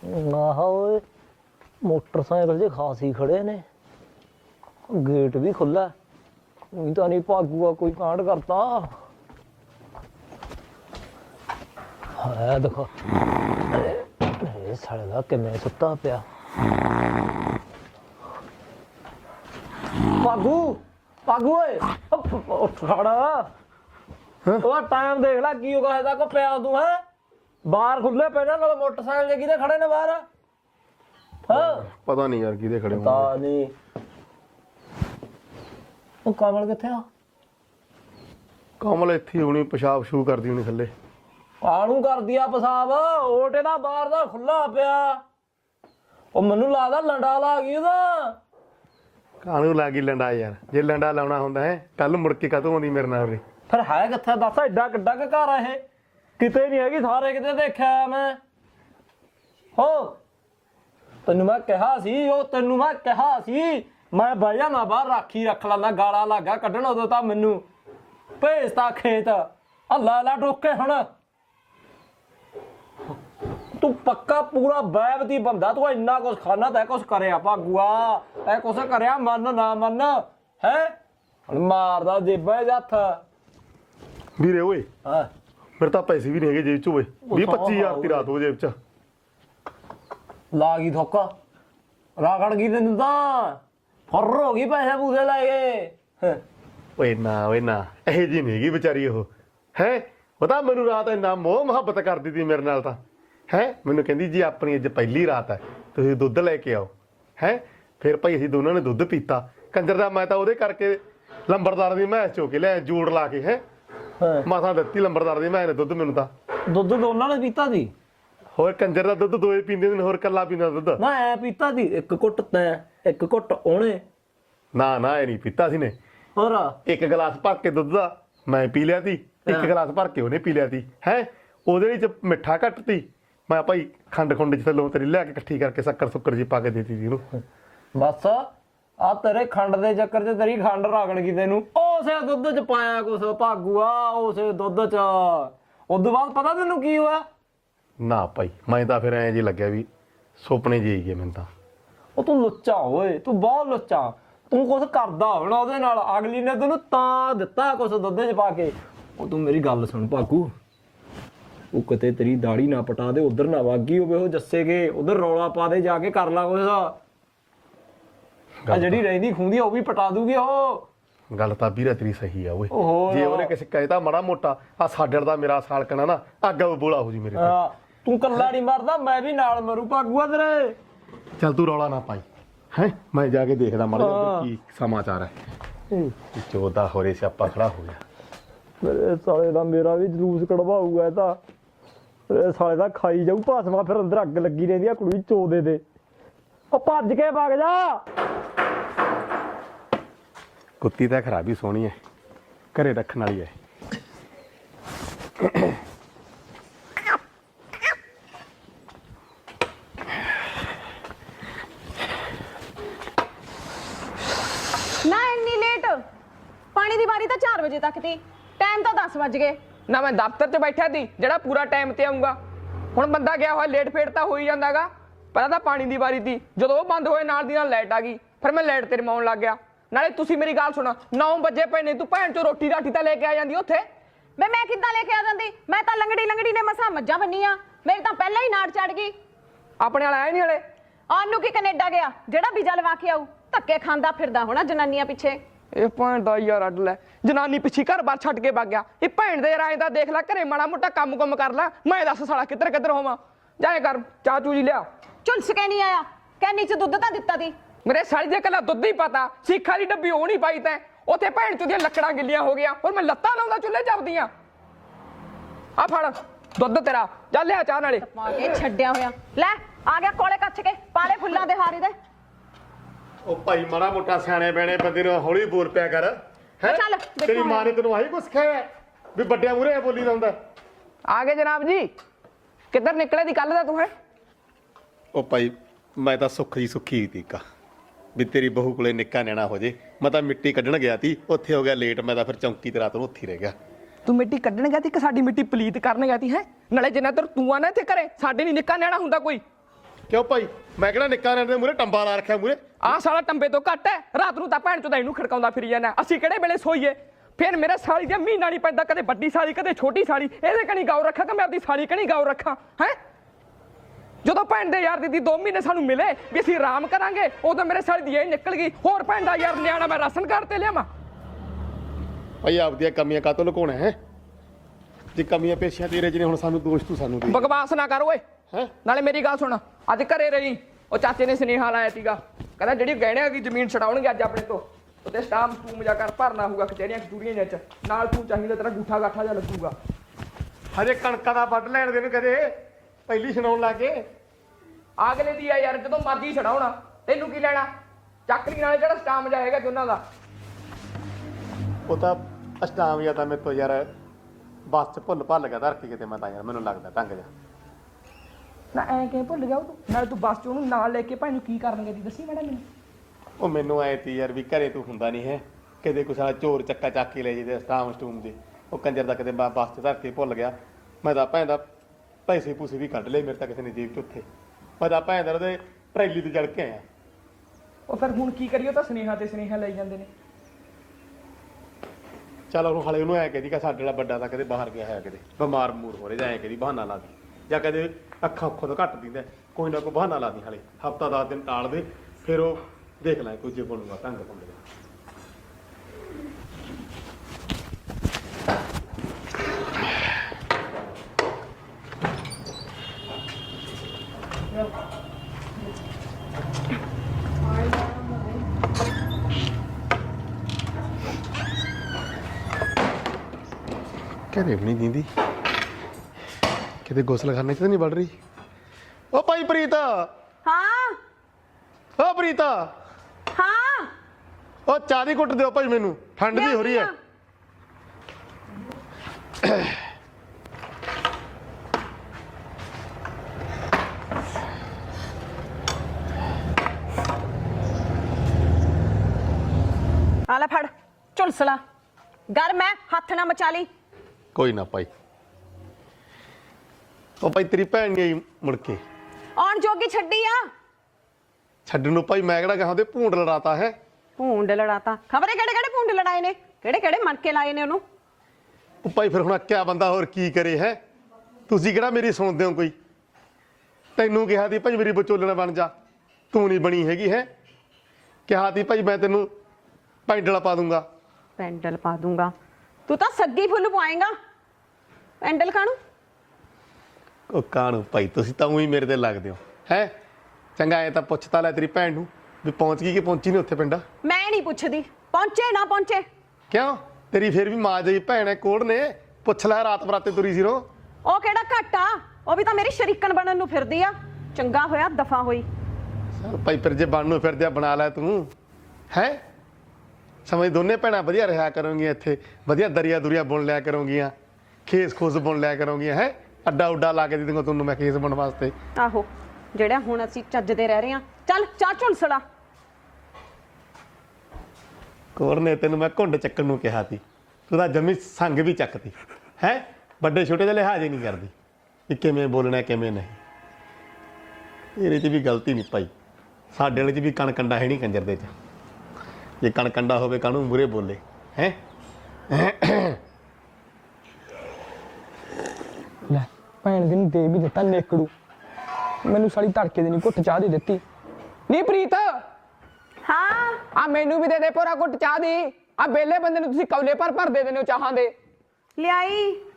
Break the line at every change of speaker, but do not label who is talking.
ਆਹੋ ਓਏ मोटरसाइकिल जे खास ही खड़े ने गेट भी खुला कोई तो नहीं भागूगा कोई कांड करता है देखो साले का किमें सुता पिया भागू भागू ओए उठ खड़ा टाइम देख ला की होगा तक पिया तू है बाहर खुले पे ना मोटरसाइकिल जे किते खड़े ने बाहर
पता नहीं यार किधे खड़े
पता नहीं ਉਹ ਕਮਲ ਕਿੱਥੇ ਆ
ਕਮਲ ਇੱਥੇ ਹੁਣੀ ਪਿਸ਼ਾਬ ਸ਼ੂ ਕਰਦੀ ਹੁਣੀ ਥੱਲੇ
ਕਾਹਨੂੰ ਕਰਦੀ ਆ ਪਿਸ਼ਾਬ ਓਟੇ ਦਾ ਬਾਹਰ ਦਾ ਖੁੱਲਾ ਪਿਆ ਉਹ ਮੈਨੂੰ ਲੱਗਦਾ ਲੰਡਾ ਲਾ ਗਈ ਉਹਦਾ
ਕਾਹਨੂੰ ਲੱਗੀ ਲੰਡਾ ਯਾਰ ਜੇ ਲੰਡਾ ਲਾਉਣਾ ਹੁੰਦਾ ਹੈ ਕੱਲ ਮੁੜ ਕੇ ਕਦੋਂ ਆਉਂਦੀ ਮੇਰੇ ਨਾਲ
ਫਿਰ ਹੈ ਕਿੱਥੇ ਦੱਸ ਐਡਾ ਕਿੱਡਾ ਕਿ ਘਰ ਆ ਇਹ ਕਿਤੇ ਨਹੀਂ ਹੈਗੀ ਸਾਰੇ ਕਿਤੇ ਦੇਖਿਆ ਮੈਂ ਹੋ ਤੈਨੂੰ ਮੈਂ ਕਿਹਾ ਸੀ ਮੈਂ ਬਹਿ ਨਾ ਬਾਹਰ ਰਾਖੀ ਰੱਖ ਲੈਂਦਾ ਗਾਲਾਂ ਲੱਗਾ ਕੱਢਣ ਉਦੋਂ ਤਾਂ ਮੈਨੂੰ ਭੇਜਤਾ ਖੇਤ ਅੱਲਾ ਲਾ ਟੋਕੇ ਹੁਣ ਤੂੰ ਪੱਕਾ ਪੂਰਾ ਬੈਬਦੀ ਬੰਦਾ ਤੂੰ ਇੰਨਾ ਕੁਛ ਖਾਣਾ ਤੈ ਕੁਛ ਕਰਿਆ ਭਾਗੂਆ ਤੈ ਕੁਛ ਕਰਿਆ ਮੰਨ ਨਾ ਮੰਨ ਹੈ ਹੁਣ ਮਾਰਦਾ ਜੇਬਾਂ 'ਚ ਹੱਥ
ਵੀਰੇ ਓਏ
ਹਾਂ
ਮੇਰੇ ਤਾਂ ਪੈਸੇ ਵੀ ਨਹੀਂ ਹੈਗੇ ਜੇਬ 'ਚ ਓਏ 20-25 ਹਜ਼ਾਰ ਦੀ ਰਾਤ ਹੋ ਜੇਬ 'ਚ
ਲਾ ਗਈ ਧੋਕਾ ਰਾਖੜ ਗਈ ਤੈਨੂੰ ਤਾਂ ਫੁਰ ਹੋ ਗਈ ਪੈਸੇ ਪੂਸੇ ਲੈ ਗਏ
ਓਏ ਨਾ ਇਹ ਜੀ ਨਹੀਂ ਹੈਗੀ ਵਿਚਾਰੀ ਉਹ ਹੈ ਉਹ ਤਾਂ ਮੈਨੂੰ ਰਾਤ ਇੰਨਾ ਮੋਹ ਮੁਹੱਬਤ ਕਰਦੀ ਸੀ ਮੇਰੇ ਨਾਲ ਤਾਂ ਹੈ ਮੈਨੂੰ ਕਹਿੰਦੀ ਜੀ ਆਪਣੀ ਅੱਜ ਪਹਿਲੀ ਰਾਤ ਹੈ ਤੁਸੀਂ ਦੁੱਧ ਲੈ ਕੇ ਆਓ ਹੈ ਫਿਰ ਭਾਈ ਅਸੀਂ ਦੋਨਾਂ ਨੇ ਦੁੱਧ ਪੀਤਾ ਕੰਜਰ ਦਾ ਮੈਂ ਤਾਂ ਉਹਦੇ ਕਰਕੇ ਲੰਬਰਦਾਰ ਦੀ ਮੈਸ ਚੋ ਕੇ ਲਿਆ ਜੋੜ ਲਾ ਕੇ ਹੈ ਮਾਥਾ ਦਿੱਤੀ ਲੰਬਰਦਾਰ ਦੀ ਮੈਸ ਨੇ ਦੁੱਧ ਮੈਨੂੰ ਤਾਂ
ਦੁੱਧ ਦੋਨਾਂ ਨੇ ਪੀਤਾ ਸੀ
ਹੋਰ ਕੰਜਰ ਦਾ ਦੁੱਧ ਦੋਏ ਪੀਂਦੇ ਨੇ ਹੋਰ ਕੱਲਾ ਪੀਂਦਾ ਦੁੱਧ
ਨਾ ਐ ਪੀਤਾ ਸੀ ਇੱਕ ਘੁੱਟ ਤੈਂ ਇੱਕ ਘੁੱਟ ਉਹਨੇ
ਨਾ ਇਹ ਨਹੀਂ ਪੀਤਾ ਸੀ ਨੇ
ਹੋਰ
ਇੱਕ ਗਲਾਸ ਭਰ ਕੇ ਦੁੱਧ ਦਾ ਮੈਂ ਪੀ ਲਿਆ ਸੀ ਇੱਕ ਗਲਾਸ ਭਰ ਕੇ ਉਹਨੇ ਪੀ ਲਿਆ ਸੀ ਹੈ ਉਹਦੇ ਵਿੱਚ ਮਿੱਠਾ ਘੱਟ ਤੀ ਮੈਂ ਭਾਈ ਖੰਡ ਚ ਥੱਲੋਂ ਤੇਰੀ ਲਿਆ ਕੇ ਇਕੱਠੀ ਕਰਕੇ ਸ਼ੱਕਰ ਜੀ ਪਾ ਕੇ ਦੇਤੀ ਸੀ ਇਹਨੂੰ
ਬਸ ਆ ਤੇਰੇ ਖੰਡ ਦੇ ਚੱਕਰ 'ਚ ਤੇਰੀ ਖੰਡ ਰਾਗਣ ਗਈ ਤੈਨੂੰ ਉਸੇ ਦੁੱਧ 'ਚ ਪਾਇਆ ਕੁਛ ਭਾਗੂਆ ਉਸੇ ਦੁੱਧ 'ਚ ਉਦੋਂ ਬਾਅਦ ਪਤਾ ਤੈਨੂੰ ਕੀ ਹੋਇਆ
ਨਾ ਭਾਈ ਮੈਂ ਤਾਂ ਫਿਰ ਐਂ ਜੀ ਲੱਗਿਆ ਵੀ ਸੁਪਨੇ ਜਿਹੇ ਹੀ ਗਏ ਮੈਨੂੰ ਤਾਂ
ਉਹ ਤੂੰ ਲੁੱਚਾ ਓਏ ਤੂੰ ਬਹੁਤ ਲੁੱਚਾ ਤੂੰ ਕੁਛ ਕਰਦਾ ਹੋਣਾ ਉਹਦੇ ਨਾਲ ਅਗਲੀ ਨੇ ਤੈਨੂੰ ਤਾਂ ਦਿੱਤਾ ਕੁਛ ਦੁੱਧ 'ਚ ਪਾ ਕੇ ਉਹ ਤੂੰ ਮੇਰੀ ਗੱਲ ਸੁਣ ਭਾਗੂ ਉਹ ਕਿਤੇ ਤੇਰੀ ਦਾੜੀ ਨਾ ਪਟਾ ਦੇ ਉਧਰ ਨਾ ਵਾਗੀ ਹੋਵੇ ਉਹ ਜੱਸੇ ਕੇ ਉਧਰ ਰੌਲਾ ਪਾ ਦੇ ਜਾ ਕੇ ਕਰ ਲਾ ਕੁਛ ਆ ਜਿਹੜੀ ਰਹਿੰਦੀ ਖੁੰਦੀ ਉਹ ਵੀ ਪਟਾ ਦੂਗੀ ਉਹ
ਗੱਲ ਤਾਂ ਵੀਰਾ ਤੇਰੀ ਸਹੀ ਆ ਓਏ ਜੇ ਉਹਨੇ ਕਿਸੇ ਕਹਿਤਾ ਮਾੜਾ ਮੋਟਾ ਆ ਸਾਡੇ ਦਾ ਮੇਰਾ ਸਾਲਕਣਾ ਨਾ ਅੱਗ ਬੋਲਾ ਹੋ ਜੀ ਮੇਰੇ ਤੇ
ਤੂੰ ਕੱਲਾ ਨਹੀਂ ਮਰਦਾ ਮੈਂ ਵੀ ਨਾਲ ਮਰੂ ਭਾਗੂਆ ਤੇਰੇ
ਚੱਲ ਤੂੰ ਰੌਲਾ ਨਾ ਪਾਈ ਹੈ ਮੈਂ ਜਾ ਕੇ ਦੇਖਦਾ ਮਾੜਾ ਕੀ ਸਮਾਚਾਰ ਹੈ ਚੋਦਾ ਹੋਰੇ ਸਿਆਪਾ ਖੜਾ ਹੋ ਗਿਆ
ਮੇਰੇ ਸਾਲੇ ਦਾ ਮੇਰਾ ਵੀ ਜਲੂਸ ਕਢਵਾਊਗਾ ਇਹ ਤਾਂ ਮੇਰੇ ਸਾਲੇ ਦਾ ਖਾਈ ਜਾਊ ਭਾਸਮਾ ਫਿਰ ਅੰਦਰ ਅੱਗ ਲੱਗੀ ਰਹਿੰਦੀ ਆ ਕੁੜੀ ਚੋਦੇ ਦੇ ਉਹ ਭੱਜ ਕੇ ਵਗ ਜਾ
ਕੁੱਤੀ ਤਾਂ ਖਰਾਬੀ ਸੋਹਣੀ ਹੈ ਘਰੇ ਰੱਖਣ ਵਾਲੀ ਹੈ
ਨਾ ਇੰਨੀ ਲੇਟ ਪਾਣੀ ਦੀ ਵਾਰੀ ਤਾਂ 4 ਵਜੇ ਤੱਕ ਤੀ ਟਾਈਮ ਤਾਂ 10 ਵਜ ਗਏ
ਨਾ ਮੈਂ ਦਫ਼ਤਰ 'ਚ ਬੈਠਾ ਸੀ ਜਿਹੜਾ ਪੂਰਾ ਟਾਈਮ ਤੇ ਆਉਂਗਾ ਹੁਣ ਬੰਦਾ ਗਿਆ ਹੋਇਆ ਲੇਟ ਫੇਟ ਤਾਂ ਹੋ ਹੀ ਜਾਂਦਾਗਾ ਪਹਿਲਾਂ ਤਾਂ ਪਾਣੀ ਦੀ ਵਾਰੀ ਤੀ ਜਦੋਂ ਉਹ ਬੰਦ ਹੋਏ ਨਾਲ ਦੀ ਨਾਲ ਲਾਈਟ ਆ ਗਈ ਫਿਰ ਮੈਂ ਲਾਈਟ ਤੇ ਰਮਾਉਣ ਲੱਗ ਗਿਆ ਨਾਲੇ ਤੁਸੀਂ ਮੇਰੀ ਗੱਲ ਸੁਣਾ 9 ਵਜੇ ਪਏ ਨੇ ਤੂੰ ਭੈਣ ਚੋਂ ਰੋਟੀ ਰਾਠੀ ਤਾਂ ਲੈ ਕੇ ਆ ਜਾਂਦੀ ਉੱਥੇ
ਮੈਂ ਕਿੱਦਾਂ ਲੈ ਕੇ ਆ ਜਾਂਦੀ ਮੈਂ ਤਾਂ ਲੰਗੜੀ ਨੇ ਮਸਾਂ ਮੱਝਾਂ ਬੰਨੀਆਂ ਮੇਰੀ ਤਾਂ ਪਹਿਲਾਂ ਹੀ ਨਾੜ ਚੜ ਗਈ
ਆਪਣੇ ਵਾਲਾ ਆਏ ਨਹੀਂ ਹਲੇ
ਆਨੂੰ ਕੀ ਕੈਨੇਡਾ ਗਿਆ ਜਿਹੜਾ ਵੀਜ਼ਾ ਲਵਾ ਕੇ ਆਊ ਧੱਕੇ ਖਾਂਦਾ ਫਿਰਦਾ ਹੋਣਾ ਜਨਾਨੀਆਂ ਪਿੱਛੇ
ਇਹ ਭੈਣ ਦਾ ਯਾਰ ਅੱਡ ਲੈ ਜਨਾਨੀ ਪਿੱਛੇ ਘਰ-ਬਾਰ ਛੱਡ ਕੇ ਵਗ ਗਿਆ ਇਹ ਭੈਣ ਦੇ ਰਾਏ ਦਾ ਦੇਖ ਲੈ ਘਰੇ ਮਾੜਾ ਮੋਟਾ ਕੰਮ ਕਰ ਲੈ ਮੈਂ ਦੱਸ ਸਾਲਾ ਕਿੱਧਰ ਹੋਵਾਂ ਜਾਏ ਕਰ ਚਾਹ ਚੂਜੀ ਲਿਆ
ਝੁਲਸ ਕੇ ਨਹੀਂ ਆਇਆ ਕੈਨੀ ਚ ਦੁੱਧ ਤਾਂ ਦਿੱਤਾ ਤੀ
ਮੇਰੇ ਸਾਲੀ ਦੇ ਕੱਲਾ ਦੁੱਧ ਹੀ ਪਤਾ ਸਿੱਖਾਂ ਦੀ ਡੱਬੀ ਉਹ ਨਹੀਂ ਪਾਈ ਤੈਂ ਉੱਥੇ ਭੈਣ ਚੋਂ ਦੀਆਂ ਲੱਕੜਾਂ ਗਿੱਲੀਆਂ ਹੋ ਗਿਆ ਹੋਰ ਮੈਂ ਲੱਤਾਂ ਲਾਉਂਦਾ ਚੁੱਲ੍ਹੇ ਚੱਪਦੀਆਂ ਆ ਫੜ ਦੁੱਧ ਤੇਰਾ ਜਾ ਲਿਆ ਚਾਹ ਨਾਲੇ
ਪਾ ਕੇ ਛੱਡਿਆ ਹੋਇਆ ਲੈ ਆ ਗਿਆ ਕੋਲੇ ਕੱਛ ਕੇ ਪਾਲੇ ਫੁੱਲਾਂ ਦੇ ਹਾਰੀ ਦੇ
ਉਹ ਭਾਈ ਮਾੜਾ ਮੋਟਾ ਸਿਆਣੇ ਬੈਣੇ ਬੰਦੇ ਨੂੰ ਹੌਲੀ ਬੋਲ ਪਿਆ ਕਰ ਹੈ
ਚੱਲ
ਤੇਰੀ ਮਾਂ ਨੇ ਤੈਨੂੰ ਆਹੀ ਕੁਛ ਸਿਖਾਇਆ ਵੀ ਵੱਡਿਆਂ ਮੂਹਰੇ ਬੋਲੀ ਜਾਂਦਾ
ਆ ਗਏ ਜਨਾਬ ਜੀ ਕਿੱਧਰ ਨਿਕਲੇ ਦੀ ਕੱਲ ਦਾ ਤੂੰ ਹੈ
ਉਹ ਭਾਈ ਮੈਂ ਤਾਂ ਸੁੱਖੀ ਤੀ ਕਾ ਵੀ ਤੇਰੀ ਬਹੂ ਕੋਲੇ ਨਿੱਕਾ ਨਿਆਣਾ ਹੋ ਜੇ ਮੈਂ ਤਾਂ ਮਿੱਟੀ ਕੱਢਣ ਗਿਆ ਤੀ ਉੱਥੇ ਹੋ ਗਿਆ ਲੇਟ ਮੈਂ ਤਾਂ ਫਿਰ ਚੌਂਕੀ ਤੇ ਰਾਤ ਨੂੰ ਉੱਥੇ ਰਹਿ ਗਿਆ
ਤੂੰ ਮਿੱਟੀ ਕੱਢਣ ਗਿਆ ਤੀ ਕਿ ਸਾਡੀ ਮਿੱਟੀ ਪਲੀਤ ਕਰਨ ਗਿਆ ਤੀ ਹੈ ਨਾਲੇ ਜਿੰਨਾ ਤਰ ਤੂੰ ਆ ਨਾ ਇੱਥੇ ਘਰੇ ਸਾਡੇ ਨਹੀਂ ਨਿੱਕਾ ਨਿਆਣਾ ਹੁੰਦਾ ਕੋਈ
ਕਿਉਂ ਭਾਈ ਮੈਂ ਕਿਹੜਾ ਨਿੱਕਾ ਰਹਿਣ ਦੇ ਮੂਰੇ ਟੰਬਾ ਲਾ ਰੱਖਿਆ ਮੂਰੇ।
ਆਹ ਸਾਲਾ ਟੰਬੇ ਤੋਂ ਘੱਟ ਹੈ, ਰਾਤ ਨੂੰ ਤਾਂ ਭੈਣ ਚੋਦਾ ਇਹਨੂੰ ਖੜਕਾਉਂਦਾ ਫਿਰੀ ਜਾਂਦਾ। ਅਸੀਂ ਕਿਹੜੇ ਵੇਲੇ ਸੋਈਏ? ਫਿਰ ਮੇਰੇ ਸਾਲੀ ਦਾ ਮਹੀਨਾ ਨਹੀਂ ਪੈਂਦਾ, ਕਦੇ ਵੱਡੀ ਸਾਲੀ ਕਦੇ ਛੋਟੀ ਸਾਲੀ, ਇਹਦੇ ਕਣੀ ਗਾਉ ਰੱਖਾਂ ਕਿ ਮੈਂ ਆਪਦੀ ਸਾਲੀ ਕਣੀ ਗਾਉ ਰੱਖਾਂ ਹੈ? ਜਦੋਂ ਭੈਣ ਦੇ ਯਾਰ ਦੀ 2 ਮਹੀਨੇ ਸਾਨੂੰ ਮਿਲੇ ਵੀ ਅਸੀਂ ਆਰਾਮ ਕਰਾਂਗੇ, ਉਦੋਂ ਮੇਰੇ ਸਾਲੀ ਦੀ ਇਹ ਨਿਕਲ ਗਈ। ਹੋਰ ਭੈਣ ਦਾ ਯਾਰ ਲਿਆਣਾ ਮੈਂ ਰਾਸ਼ਨ ਕਾਰਡ ਤੇ ਲਿਆਵਾਂ?
ਭਾਈ ਆਪਦੀਆਂ ਕਮੀਆਂ ਕਾਤੋਂ ਲੁਕਾਉਣਾ ਹੈ? ਜੇ ਕਮੀਆਂ ਪੇਸ਼ੀਆਂ ਤੇਰੇ ਚ ਨੇ ਹੁਣ ਸਾਨੂੰ ਦੋਸ਼ ਤੂੰ ਸਾਨੂੰ ਦੇ।
ਬਕਵਾਸ ਨਾ ਕਰ ਓਏ।
ਹੈ
ਨਾਲੇ ਮੇਰੀ ਗੱਲ ਸੁਣ, ਅੱਜ ਘਰੇ ਰਹੀ, ਉਹ ਚਾਚੇ ਨੇ ਸੁਨੇਹਾ ਲਾਇਆ ਸੀਗਾ, ਕਹਿੰਦਾ ਜਿਹੜੀ ਗਹਿਣਿਆਂ ਦੀ ਜ਼ਮੀਨ ਛਡਾਉਣਗੇ ਅੱਜ ਆਪਣੇ ਤੋਂ, ਉੱਤੇ ਸਟਾਮ ਟੂਮ ਜਾ ਕਰ ਭਰਨਾ ਹੋਊਗਾ ਕਚਹਿਰੀਆਂ ਕਚੂਰੀਆਂ ਚ, ਨਾਲ ਤੂੰ ਚਾਹੀਦਾ ਤੇਰਾ ਗੂਠਾ ਗਾਠਾ ਜਾ ਲੱਗੂਗਾ।
ਹਜੇ ਕਣਕਾਂ ਦਾ ਵੱਢ ਲੈਣ ਦੇ ਨੂੰ ਕਦੇ ਪਹਿਲੀ ਸੁਣਾਉਣ ਲੱਗੇ।
ਅਗਲੇ ਦੀ ਆ ਯਾਰ, ਜਦੋਂ ਮਰਜ਼ੀ ਛਡਾਉਣਾ, ਤੈਨੂੰ ਕੀ ਲੈਣਾ? ਚੱਕਰੀ ਨਾਲ ਜਿਹੜਾ ਸਟਾਮ ਜਾਏਗਾ ਉਹਨਾਂ ਦਾ।
ਉਹ ਤਾਂ ਅਸ਼ਟਾਮ ਜਾਂ ਤਾਂ ਮੇਰੇ ਤੋਂ ਯਾਰ ਬੱਸ ਚ ਭੁੱਲ ਗਿਆ ਧਰ ਕੇ ਕਿਤੇ ਮੈਂ ਤਾਂ ਯਾਰ ਮੈਨੂੰ ਲੱਗਦਾ ਢੰਗ ਜਾ।
ਨਾ ਐ ਕਿਵੇਂ ਭੁੱਲ ਗਿਆ ਤੂੰ? ਨਾਲ ਤੂੰ ਬੱਸ ਚ ਉਹਨੂੰ ਨਾਲ ਲੈ ਕੇ ਭਾਈ ਨੂੰ ਕੀ ਕਰਨਗੇ ਦੀ ਦੱਸੀ ਮੈਡਮ ਮੈਨੂੰ।
ਉਹ ਮੈਨੂੰ ਆਏ ਤੀ ਯਾਰ ਵੀ ਘਰੇ ਤੂੰ ਹੁੰਦਾ ਨਹੀਂ ਹੈ, ਕਿਤੇ ਕੁਛ ਵਾਲਾ ਚੋਰ ਚੱਕਾ ਚੱਕ ਕੇ ਲੈ ਜਿਹਦੇ ਸਟਾਮ ਸਟੂਮ ਦੇ, ਉਹ ਕੰਜਰ ਦਾ ਕਿਤੇ ਬੱਸ ਚ ਧਰ ਕੇ ਭੁੱਲ ਗਿਆ। ਮੈਂ ਤਾਂ ਭੈਣ ਦਾ ਪੈਸੇ ਪੂਸੇ ਵੀ ਕੱਢ ਲਏ ਮੇਰੇ ਤਾਂ ਕਿਸੇ ਨੇ ਜੇਬ ਚ ਉੱਥੇ। ਮੈਂ ਤਾਂ ਭੈਣ ਦਾ ਉਹਦੇ ਟਰੈਲੀ ਤੇ ਚੜ ਕੇ ਆਇਆ।
ਉਹ ਫਿਰ ਹੁਣ ਕੀ ਕਰੀਏ? ਤਾਂ ਸੁਨੇਹਾ ਤੇ ਸੁਨੇਹਾ ਲਈ ਜਾਂਦੇ ਨੇ।
ਚੱਲ ਉਹਨੂੰ ਹਾਲੇ ਉਹਨੂੰ ਐ ਕਹਦੀ ਕਿ ਸਾਡੇ ਵਾਲਾ ਵੱਡਾ ਤਾਂ ਕਦੇ ਬਾਹਰ ਗਿਆ ਹੈ, ਕਿਤੇ ਬਿਮਾਰ ਬਮੂਰ ਹੋ ਰਿਹਾ, ਜਾਂ ਐ ਕਹਦੀ ਬਹਾਨਾ ਲਾ ਦੀ, ਜਾਂ ਕਦੇ ਅੱਖਾਂ ਤੋਂ ਘੱਟ ਦਿੰਦਾ, ਕੋਈ ਨਾ ਕੋਈ ਬਹਾਨਾ ਲਾ ਦੀ। ਹਾਲੇ ਹਫਤਾ 10 ਦਿਨ ਟਾਲ ਦੇ, ਫਿਰ ਉਹ ਦੇਖ ਲੈ ਕੁਝ ਬਣੂਗਾ ਢੰਗ ਬੰਦੇ ਦਾ। ਘਰੇ ਵੀ ਨਹੀਂ ਦਿੰਦੀ, ਕਿਤੇ ਗੁਸਲਖਾਨੇ ਚ ਤਾਂ ਨਹੀਂ ਵੜ ਰਹੀ। ਓ ਭਾਈ ਪ੍ਰੀਤ,
ਹਾਂ
ਓ ਪ੍ਰੀਤ,
ਹਾਂ
ਓ ਚਾਹ ਦੀ ਘੁੱਟ ਦਿਓ ਭਾਈ, ਮੈਨੂੰ ਠੰਡ ਦੀ ਹੋ ਰਹੀ ਹੈ।
ਆ ਲੈ ਫੜ ਝੁਲਸਲਾ, ਗਰਮ ਹੈ, ਹੱਥ ਨਾ ਮਚਾ ਲਈ।
ਕੋਈ ਨਾ ਭਾਈ। ਉਹ ਭਾਈ ਤੇਰੀ ਭੈਣ ਨਹੀਂ ਆਈ ਮੁੜ ਕੇ?
ਆਉਣ ਜੋਗੀ ਛੱਡੀ ਆ।
ਛੱਡਣ ਨੂੰ ਭਾਈ ਮੈਂ ਕਿਹੜਾ ਕਹਾਂ ਉਹਦੇ ਭੂੰਡ ਲੜਾਤਾ ਹੈ।
ਭੂੰਡ ਲੜਾਤਾ? ਖਬਰੇ ਕਿਹੜੇ ਕਿਹੜੇ ਭੂੰਡ ਲੜਾਏ ਨੇ, ਕਿਹੜੇ ਕਿਹੜੇ ਮਣ ਕੇ ਲਾਏ ਨੇ ਉਹਨੂੰ।
ਉਹ ਭਾਈ ਫਿਰ ਹੁਣ ਕਿਆ ਬੰਦਾ ਹੋਰ ਕੀ ਕਰੇ ਹੈ? ਤੁਸੀਂ ਕਿਹੜਾ ਮੇਰੀ ਸੁਣਦੇ ਹੋ ਕੋਈ? ਤੈਨੂੰ ਕਿਹਾ ਤੀ ਭਾਈ ਮੇਰੀ ਵਿਚੋਲਣ ਬਣ ਜਾ, ਤੂੰ ਨਹੀਂ ਬਣੀ ਹੈਗੀ ਹੈ। ਕਿਹਾ ਤੀ ਭਾਈ ਮੈਂ ਤੈਨੂੰ ਪੈਂਡਲ ਪਾ ਦੂੰਗਾ।
ਪੈਂਡਲ ਪਾ ਦੂੰਗਾ? ਤੂੰ ਤਾਂ ਸੱਗੀ ਫੁੱਲ ਪਵਾਏਗਾ, ਪੈਂਡਲ ਕਾਹਨੂੰ?
ਉਹ ਕਾਹਨੂੰ ਭਾਈ, ਤੁਸੀਂ ਤਾਂ ਉਹੀ ਮੇਰੇ ਤੇ ਲੱਗਦੇ ਹੋ ਹੈ। ਚੰਗਾ ਐ ਤਾਂ ਪੁੱਛ ਤਾਂ ਲੈ ਤੇਰੀ ਭੈਣ ਨੂੰ ਵੀ ਪਹੁੰਚ ਗਈ ਕਿ ਪਹੁੰਚੀ ਨਹੀਂ ਉੱਥੇ ਪਿੰਡਾ।
ਮੈਂ ਨਹੀਂ ਪੁੱਛਦੀ, ਪਹੁੰਚੇ ਨਾ ਪਹੁੰਚੇ।
ਕਿਉਂ? ਤੇਰੀ ਫਿਰ ਵੀ ਮਾਂ ਜਿਹੀ ਭੈਣ ਹੈ, ਕੋੜ ਨੇ, ਪੁੱਛ ਲੈ। ਰਾਤ ਬਰਾਤੇ ਤੁਰੀ ਸੀ ਰੋ।
ਉਹ ਕਿਹੜਾ ਘੱਟ ਆ, ਉਹ ਵੀ ਤਾਂ ਮੇਰੀ ਸ਼ਰੀਕਣ ਬਣਨ ਨੂੰ ਫਿਰਦੀ ਆ। ਚੰਗਾ ਹੋਇਆ ਦਫਾ ਹੋਈ।
ਚੱਲ ਭਾਈ ਫਿਰ ਜੇ ਬਣਨ ਨੂੰ ਫਿਰਦਿਆ ਬਣਾ ਲੈ ਤੂੰ ਹੈ। ਸਮਝ ਦੋਨੇ ਭੈਣਾਂ ਵਧੀਆ ਰਿਹਾ ਕਰੋਗੀਆਂ ਇੱਥੇ, ਵਧੀਆ ਦਰਿਆ ਦੁਰੀਆ ਬੁਣ ਲਿਆ ਕਰੋਗੀਆਂ, ਖੇਸ ਖੁਸ ਬੁਣ ਲਿਆ ਕਰੋਗੀਆਂ ਹੈ। ਅੱਡਾ ਉੱਡਾ ਲਾ ਕੇ ਦੇ ਦੂੰਗਾ ਤੁਹਾਨੂੰ ਮੈਂ ਖੇਸ ਬੁਣਨ ਵਾਸਤੇ।
ਆਹੋ, ਜਿਹੜਾ ਹੁਣ ਅਸੀਂ ਚੱਜਦੇ ਰਹਿ ਰਹੇ ਆ। ਚੱਲ ਚਾਹ ਝੁਲਸੜਾ।
ਕੋਰ ਨੇ ਤੈਨੂੰ ਮੈਂ ਘੁੰਡ ਚੱਕਣ ਨੂੰ ਕਿਹਾ ਸੀ, ਤੂੰ ਤਾਂ ਜੰਮੀ ਸੰਗ ਵੀ ਚੱਕਦੀ ਹੈ। ਵੱਡੇ ਛੋਟੇ ਦਾ ਲਿਹਾਜ਼ ਹੀ ਨਹੀਂ ਕਰਦੀ ਕਿ ਕਿਵੇਂ ਬੋਲਣਾ ਕਿਵੇਂ ਨਹੀਂ। ਇਹਦੇ 'ਚ ਵੀ ਗਲਤੀ ਨਹੀਂ ਭਾਈ, ਸਾਡੇ ਵਾਲੇ 'ਚ ਵੀ ਕਣ ਕੰਡਾ ਹੈ ਨਹੀਂ ਕੰਜਰ ਦੇ 'ਚ। ਜੇ ਕਣ ਕੰਡਾ ਹੋਵੇ ਕਾਹਨੂੰ ਮੂਰੇ ਬੋਲੇ ਹੈ।
ਲੈ ਭੈਣ ਦੀ ਨੂੰ ਦੇ ਵੀ ਦਿੱਤਾ ਨੇਕੜੂ, ਮੈਨੂੰ ਸਾਲੀ ਧੜਕੇ ਦੇ ਨਹੀਂ ਘੁੱਟ ਚਾਹ ਦੇ ਦਿੱਤੀ। ਨਹੀਂ ਪ੍ਰੀਤ,
ਹਾਂ
ਆ ਮੈਨੂੰ ਵੀ ਦੇ ਦੇ ਪੂਰਾ ਘੁੱਟ ਚਾਹ ਦੀ। ਆ ਬੇਲੇ ਬੰਦੇ ਨੂੰ ਤੁਸੀਂ ਕੌਲੇ ਭਰ ਦੇ ਦਿੰਦੇ ਹੋ ਚਾਹਾਂ ਦੇ।
ਲਿਆਈ।